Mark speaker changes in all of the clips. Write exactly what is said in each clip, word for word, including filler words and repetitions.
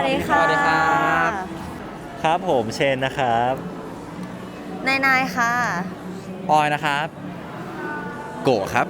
Speaker 1: ดีค่ะ
Speaker 2: สวัสดีครับ
Speaker 3: ครับผมเชนนะครับ
Speaker 1: นายนายค่ะ
Speaker 2: ปอยนะครับ
Speaker 4: โกะครับ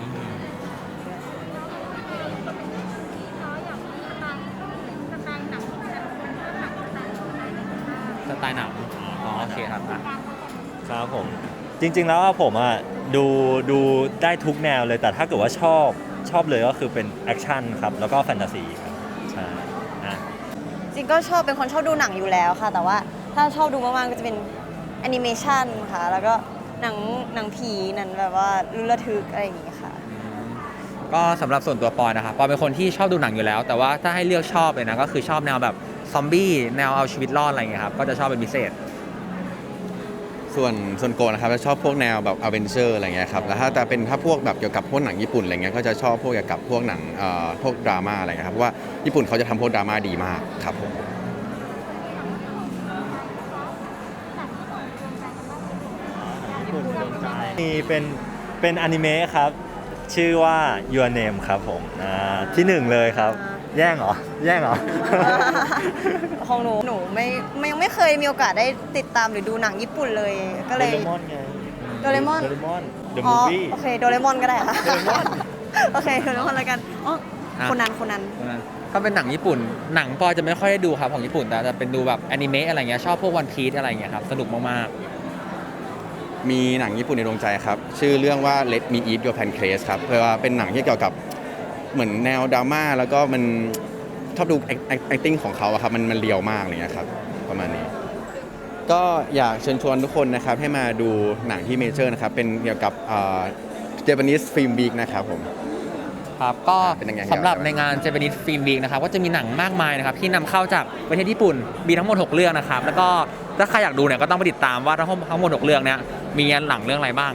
Speaker 2: สไตล์หนังอ๋อโอเคครับอ่ะ
Speaker 3: ครับผมจริงๆแล้วผมอ่ะดูดูได้ทุกแนวเลยแต่ถ้าเกิดว่าชอบชอบเลยก็คือเป็นแอคชั่นครับแล้วก็แฟนตาซีครับใช่อ่ะ
Speaker 1: จริงก็ชอบเป็นคนชอบดูหนังอยู่แล้วค่ะ แต่ว่าถ้าชอบดูมากๆก็จะเป็นแอนิเมชันค่ะ แล้วก็หนังหนังผีหนังแบบว่าลุ้นระทึกอะไรอย่างงี้ค่ะ
Speaker 2: ก็สำหรับส่วนตัวปอยนะครับปอยเป็นคนที่ชอบดูหนังอยู่แล้ว แต่ว่าถ้าให้เลือกชอบเลยนะก็คือชอบแนวแบบซอมบี้แนวเอาชีวิตรอดอะไรอย่างเงี้ยครับก็จะชอบเป็นพิเศษ
Speaker 4: ส่วนส่วนโกะนะครับจะชอบพวกแนวแบบอเวนเจอร์อะไรเงี้ยครับแล้วถ้าแต่เป็นถ้าพวกแบบเกี่ยวกับพวกหนังญี่ปุ่นอะไรเงี้ยก็จะชอบพวกเกี่ยวกับพวกหนังเอ่อพวกดราม่าอะไรเงี้ยครับเพราะว่าญี่ปุ่นเขาจะทำพวกดราม่าดีมากครับผม
Speaker 3: มีเป็นเป็นอนิเมะครับ ชื่อว่า Your Name ครับผมอ่าที่หนึ่งเลยครับ แย่งเหรอ แย่งเหรอ
Speaker 1: ของหนูหนูไม่ไม่ยังไม่เคยมีโอกาสได้ติดตามหรือดูหนังญี่ปุ่นเลย ก็
Speaker 3: โด
Speaker 1: เลย
Speaker 3: เรมอนไง
Speaker 1: โดเรมอน
Speaker 3: โดเรมอน The
Speaker 1: อ๋อ
Speaker 3: Movie
Speaker 1: โอเคโดเรมอนก็ได้ค่ะ
Speaker 3: โดเรมอน
Speaker 1: โอเคโดเรมอนแล้วกันอ๋อ
Speaker 2: อ่ะ
Speaker 1: คนนั้นคนนั้น
Speaker 2: ก็เป็นหนังญี่ปุ่น หนังปอยจะไม่ค่อยได้ดูครับของญี่ปุ่นแต่จะเป็นดูแบบแอนิเมะอะไรเงี้ยชอบพวกวันพีซอะไรเงี้ยครับสนุกมาก
Speaker 4: มีหนังญี่ปุ่นในดวงใจครับชื่อเรื่องว่า Let Me Eat Your Pancreas ครับเพราะว่าเป็นหนังที่เกี่ยวกับเหมือนแนวดราม่าแล้วก็มันชอบดู acting ของเขาอะครับมันมันเรียวมากอะไรเงี้ยครับประมาณนี้ ก็อยากเชิญชวนทุกคนนะครับให้มาดูหนังที่เมเจอร์นะครับเป็นเกี่ยวกับเอ่อ Japanese Film Week นะครับผม
Speaker 2: ๆครับก็
Speaker 4: เป็นยังไง
Speaker 2: สำหรับในงาน Japanese Film Week นะครับก็จะมีหนังมากมายนะครับที่นำเข้าจากประเทศญี่ปุ่นมีทั้งหมดหกเรื่องนะครับแล้วก็ถ้าใครอยากดูเนี่ยก็ต้องไปติดตามว่าทั้งทั้งหมดหกเรื่องเนี้ยมีหนังเรื่องอะไรบ้าง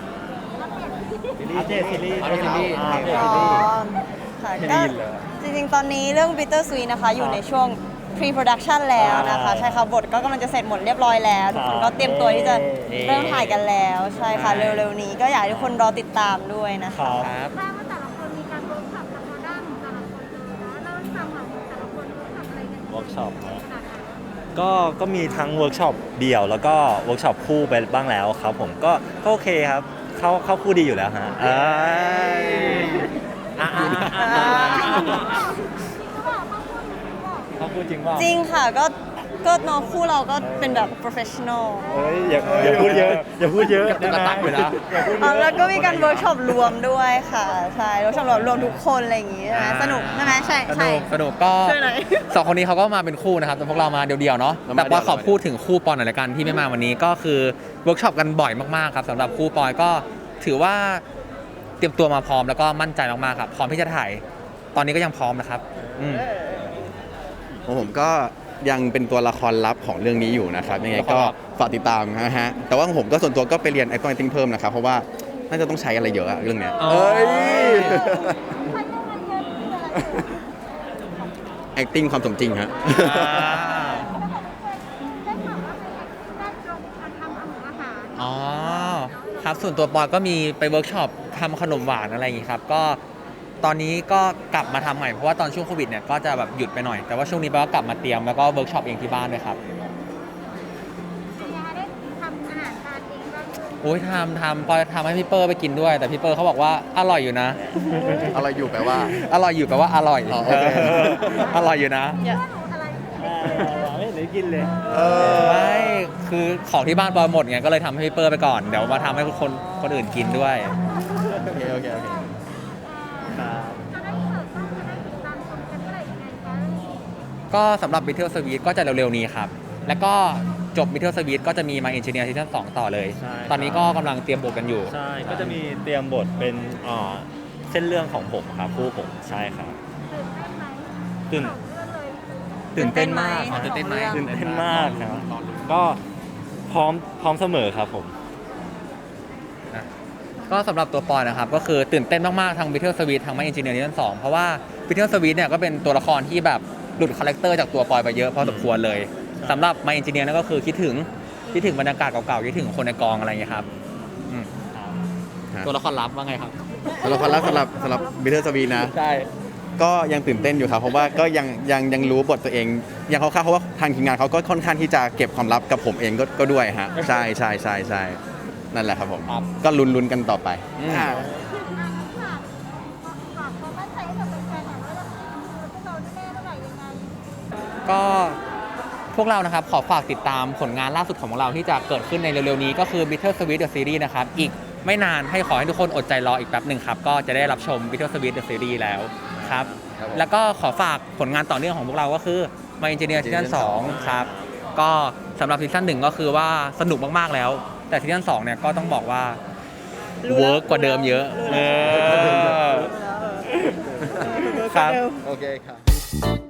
Speaker 3: อัปเดตซีรีส์
Speaker 2: อัปเดตซีรีส์
Speaker 3: อัปเดต
Speaker 1: อ๋
Speaker 3: ซี
Speaker 1: อ
Speaker 3: รีส์
Speaker 1: ค่ะ
Speaker 3: ไม่
Speaker 1: ก็
Speaker 3: ได้ยินเลย
Speaker 1: จริงๆ ตอนนี้เรื่อง Bitter Sweet นะคะ อยู่ในช่วง pre-production แล้วนะคะ
Speaker 3: ใช่
Speaker 1: ใช่ค่ะบทก็กำลังจะเสร็จหมดเรียบร้อยแล้ว ทุกคนก็เตรียมตัวที่จะ
Speaker 2: เย้
Speaker 1: เริ่มถ่ายกันแล้ว ใช่ค่ะ
Speaker 2: ใช่
Speaker 1: เร็วๆนี้ก็อยากให้ทุกคนรอติดตามด้วยนะ
Speaker 3: ครั
Speaker 1: คะ
Speaker 3: บ
Speaker 2: ครับ
Speaker 5: ทราบว่าแต่ละคนมีการเวิร์กช็อปกับตัวด้านของแต่ละคนเลยนะเล่าให้ฟังหน่อยแต่ละคนเวิร์กช็อปอะไรกัน
Speaker 3: เวิร์กช็อปนะ
Speaker 5: ขนาดไหน
Speaker 3: ก็ก็มีทั้งเวิร์กช็อปเดี่ยวแล้วก็เวิร์กช็อปคู่ไปบ้างแล้วครับผมก็ก็โอเคครับ เข้าเข้าคู่ดีอยู่แล้วฮะเอ้ยอ่ะอ่ะอ่ะอ่ะเข้าคู่จริงเปล่า
Speaker 1: จริงค่ะก็ก็น้องคู่เราก็เป็นแบบ professional
Speaker 3: เฮ้ยอย่าอย่าพูดเยอะอย่าพูดเยอะ
Speaker 2: กระตักอยู่นะ
Speaker 3: อย่าพูดเย
Speaker 1: อ๋อ
Speaker 3: อะ
Speaker 1: แล้วก็มีการเวิร์กช็อปรวมด้วยค่ะ ใช่เวิร์กช็อปรวมทุกคนอะไรอย่างงี้ใช่ไหมสนุกใช่ไหมใช่
Speaker 2: ส
Speaker 1: ใช่
Speaker 2: นุกสนุกก็
Speaker 1: ช่วยหน่อย
Speaker 2: สองคนนี้เขาก็มาเป็นคู่นะครับแต่พวกเรามาเดียวๆเนาะ
Speaker 4: เรามา
Speaker 2: แต่ว่า
Speaker 4: เดี่ยว
Speaker 2: ขอพูดถึงคู่ปอนหน่อยละกันที่ไม่มาวันนี้ก็คือเวิร์กช็อปกันบ่อยมากๆครับสำหรับคู่ปอยก็ถือว่าเตรียมตัวมาพร้อมแล้วก็มั่นใจมากๆครับพร้อมที่จะถ่ายตอนนี้ก็ยังพร้อมนะครับอืม
Speaker 4: ของผมก็ยังเป็นตัวละครลับของเรื่องนี้อยู่นะครับยังไงก็ฝากติดตามนะฮะแต่ว่าของผมก็ส่วนตัวก็ไปเรียน acting acting เพิ่มนะครับเพราะว่าน่าจะต้องใช้อะไรเยอะอะเรื่องเนี้ย
Speaker 2: อ๋อ
Speaker 4: เอ้ย
Speaker 5: ใช้ยังไงเยอะคืออะไร
Speaker 4: acting ความสมจริงฮะ
Speaker 2: อ่า
Speaker 5: ได้ข่าวว่าเป็นแอคติ้งด้านตรงการทำอาหารอาหาร
Speaker 2: อ๋อครับส่วนตัวปอยก็มีไปเวิร์กช็อปทำขนมหวานอะไรอย่างงี้ครับก็ตอนนี้ก็กลับมาทำใหม่เพราะว่าตอนช่วงโควิดเนี่ยก็จะแบบหยุดไปหน่อยแต่ว่าช่วงนี้ปอยก็กลับมาเตรียมแล้วก็เวิร์กช็อปเองที่บ้านด้วยครับ
Speaker 5: เป็นยังไงได้ทำอาหารทานเองบ้างเลย
Speaker 2: โอ้ยทำทำปอยทำให้พี่เปอร์ไปกินด้วย แต่พี่เปอร์เขาบอกว่าอร่อยอยู่นะ
Speaker 4: อะไรอยู่แปลว่า
Speaker 2: อร่อยอยู่แปลว่าอร่อย
Speaker 4: อ๋อโอเค
Speaker 2: อร่อยอยู่นะ
Speaker 1: อย่า
Speaker 5: ว่าหนูอะไร
Speaker 3: ไม่เห็นได้กินเลย
Speaker 4: เออ
Speaker 2: ไม่คือของที่บ้านปอยหมดไงก็เลยทำให้พี่เปอร์ไปก่อนเดี๋ยวมาทำให้คนคนอื่นกินด้วย
Speaker 4: โอเคโอเคโอเค
Speaker 5: จะได้เสิร์ฟต้องจะได้ติดตามชมกันเมื่อไหร่ยังไงคะ
Speaker 2: ก็สำหรับ Bitter Sweet ก็จะเร็วๆนี้ครับ แล้วก็จบ Bitter Sweet ก็จะมี My Engineer Season สองต่อเลย
Speaker 3: ใช่
Speaker 2: ตอนนี้ก็กำลังเตรียมบทกันอยู่
Speaker 3: ใช่ก็จะมีเตรียมบทเป็นอ่าเส้นเรื่องของผมครับคู่ผมใช่ครับ
Speaker 5: ตื่นเต้นไหม
Speaker 3: ตื่น
Speaker 5: สองเรื่องเลย
Speaker 3: ตื่นเต้นมาก
Speaker 2: อ๋อตื่นเต้นไหม
Speaker 3: ตื่นเต้นมากครับก็พร้อมพร้อมเสมอครับผม
Speaker 2: ก็สำหรับตัวปอยนะครับ ก็คือตื่นเต้นมากๆทาง Bitter Sweet ทาง My Engineer Season สองเพราะว่า Bitter Sweet เนี่ยก็เป็นตัวละครที่แบบหลุดคาแรคเตอร์จากตัวปอยไปเยอะพอสมควรเลยสำหรับ My Engineer นั่นก็คือคิดถึงคิดถึงบรรยากาศเก่าๆคิดถึงคนในกองอะไรอย่างเงี้ยครับอืม
Speaker 4: ฮะ
Speaker 2: ตัวละครลับว่าไงครับ
Speaker 4: สำหรับคนรักสำหรับสำหรับบิเทอร์สวีนะ
Speaker 2: ใช่
Speaker 4: ก็ยังตื่นเต้นอยู่ครับ เพราะว่าก็ยังยังยังรู้บทตัวเองยังเขาเข้าเพราะว่าทางทีมงานเขาก็ค่อนข้างที่จะเก็บความลับกับผมเองก็ก็ด้วยฮะใช่ใช่ใช่ใช่นั่นแหละครับผม
Speaker 2: ครับ
Speaker 4: ก็ลุ้นๆกันต่อไป
Speaker 2: อืม
Speaker 4: อ่า
Speaker 5: ฝากฝากความมั่นใจให้กับแฟนๆหน่อยว่าเราคือพวกเราแน่ๆเมื่อไหร่ยังไง
Speaker 2: ก็พวกเรานะครับขอฝากติดตามผลงานล่าสุดของเราที่จะเกิดขึ้นในเร็วๆนี้ก็คือ Bitter Sweet The Series นะครับอีกไม่นานให้ขอให้ทุกคนอดใจรออีกแป๊บหนึ่งครับก็จะได้รับชม Bitter Sweet The Series แล้วครับ
Speaker 4: ครับผม
Speaker 2: แล้วก็ขอฝากผลงานต่อเนื่องของพวกเราก็คือ My Engineer ซีซั่นสองครับก็สำหรับซีซั่นหนึ่งก็คือว่าสนุกมากๆแล้ว แต่ซีซั่นสองเนี่ยก็ต้องบอกว่า
Speaker 1: รู้แล้ว
Speaker 2: เวิร์กกว่าเดิมเยอะ
Speaker 1: รู้
Speaker 2: เอ
Speaker 1: แล้ว
Speaker 2: อครับ
Speaker 4: โอเคครับ